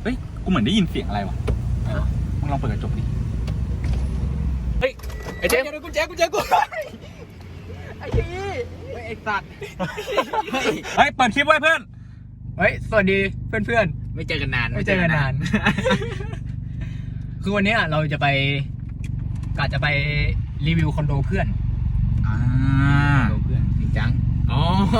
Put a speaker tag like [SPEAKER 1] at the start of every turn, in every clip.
[SPEAKER 1] เฮ้ยกูเหมือนได้ยินเสียงอะไรวะมึงลองเปิดกระจกดิเฮ้ยไอ้เจมส์กูไอ้ชี้ไอ้สัตว์เฮ้ยเปิดคลิปไว้เพื่อนเฮ้ยสวัสดีเพื่อน
[SPEAKER 2] ไม่เจอกันนาน
[SPEAKER 1] คือวันนี้เราจะไปรีวิวคอนโดเพื่อน
[SPEAKER 2] คอนโดเพื่อนจริงจังอ๋อ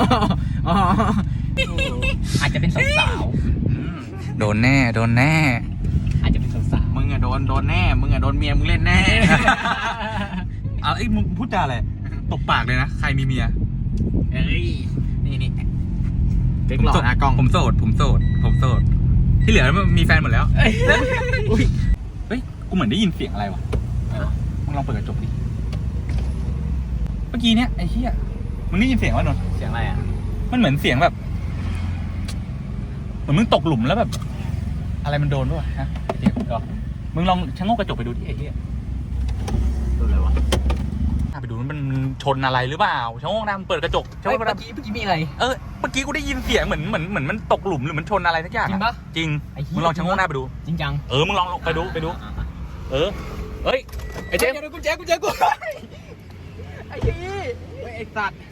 [SPEAKER 1] อาจจะเป็นสาว
[SPEAKER 3] โดนแน่
[SPEAKER 1] อาจจะเป็นสาว
[SPEAKER 2] มึงอะโดนแน่มึงอะโดนเมียมึงเล่นแน่
[SPEAKER 1] เอาไอ้มึงพูดจาอะไรตบปากเลยนะใครมีเมีย
[SPEAKER 2] เฮ้ยนี่เก๊กหล่อหน้ากล้อง
[SPEAKER 1] ผมโสดที่เหลือมีแฟนหมดแล้วเฮ้ยกูเหมือนได้ยินเสียงอะไรวะมึงลองเปิดกระจกดิเมื่อกี้เนี้ยไอ้เหี้ยมึงได้ยินเสียงวะนนท์
[SPEAKER 2] เสียงอะไรอ่ะ
[SPEAKER 1] มันเหมือนเสียงแบบเหมือนมึงตกหลุมแล้วแบบอะไรมันโดนด้วยฮะไอ้เหี้ยมึงลองชะโงกกระจกไปดูดิไอ้เหี้ย
[SPEAKER 2] โดนอะไรวะ
[SPEAKER 1] ไปดูมันชนอะไรหรือเปล่าชะโงกหน้ามันเปิดกระจก
[SPEAKER 2] เมื่อกี้มีอะไร
[SPEAKER 1] เมื่อกี้กูได้ยินเสียงเหมือนมันตกหลุมหรือมันชนอะไรสักอย่าง
[SPEAKER 2] จริงปะ
[SPEAKER 1] จริงมึงลองชะโงกหน้าไปดู
[SPEAKER 2] จริงจัง
[SPEAKER 1] มึงลองไปดูเฮ้ยไอ้เจมส์กู
[SPEAKER 2] ไอ้ชี้ไอ้สัตว์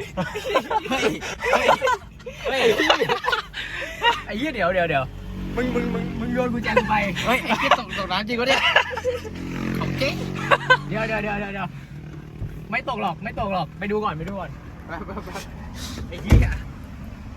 [SPEAKER 2] ไอ้เหี้ยเดี๋ยวมึงโยนกุญแจกูไปเฮ้ยไอ้เหี้ยตกน้ำจริงวะเนี่ยของจริงเดี๋ยวไม่ตกหรอกไปดูก่อนไอ้เหี้ยไอ้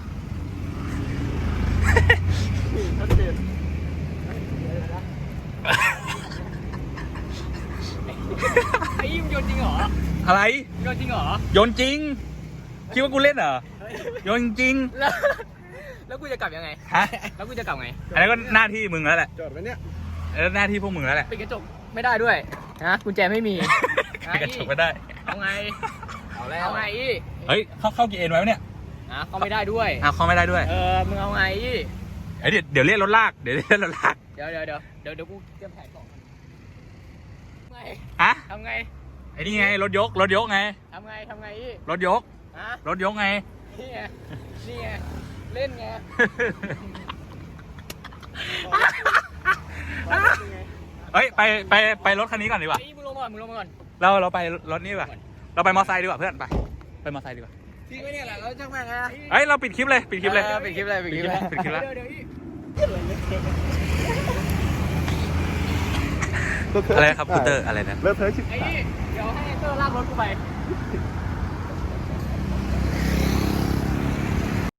[SPEAKER 2] มึงโยนจริงเหรอ
[SPEAKER 1] อะไร
[SPEAKER 2] โยนจริงเหรอ
[SPEAKER 1] โยนจริงคิดว่ากูเล่นเหรอโยนจริง
[SPEAKER 2] แล้วกูจะกลับยังไง
[SPEAKER 1] ฮะ
[SPEAKER 2] แล้วกูจะกลับไง
[SPEAKER 1] อันนี้ก็หน้าที่มึงแล้วแหละ
[SPEAKER 2] จอดไว้เนี่ย
[SPEAKER 1] หน้าที่พวกมึงแล้วแหละ
[SPEAKER 2] ปิดกระจกไม่ได้ด้วยนะกุญแจไม่มี
[SPEAKER 1] ปิดกระจกไม่ได้
[SPEAKER 2] เอาไงเอาไง
[SPEAKER 1] เฮ้ยเข้ากี่เอ็นไว้เนี่ย
[SPEAKER 2] เข้าไม่ได้ด้วย
[SPEAKER 1] เข้าไม่ได้ด้วย
[SPEAKER 2] มึงเอาไง
[SPEAKER 1] เดี๋ยวเรียกรถลากเดี๋ยว
[SPEAKER 2] กูเตรียมแผนก่อนไงทำไง
[SPEAKER 1] ไอ้นี่ไงรถยกไง
[SPEAKER 2] ทำไง
[SPEAKER 1] รถยกไง
[SPEAKER 2] นี่ไงเล่นไง
[SPEAKER 1] เฮ้ยไปรถคันนี้ก่อนดีกว่า
[SPEAKER 2] มึงลงมาก่อน
[SPEAKER 1] เราไปรถนี้ดีกว่าเราไปมอไซค์ดีกว่าเพื่อนไปมอไซค์ดีกว่า
[SPEAKER 2] ทิ้งไว้เนี่ยแหละเราช่างแม่งไง
[SPEAKER 1] เฮ้ยเราปิดคลิปเลย
[SPEAKER 2] ปิดคลิปแล้ว
[SPEAKER 1] อะไรครับคูเตอร์อะไรนะ
[SPEAKER 2] เดี๋ยวให้เตอร์ลากรถกูไป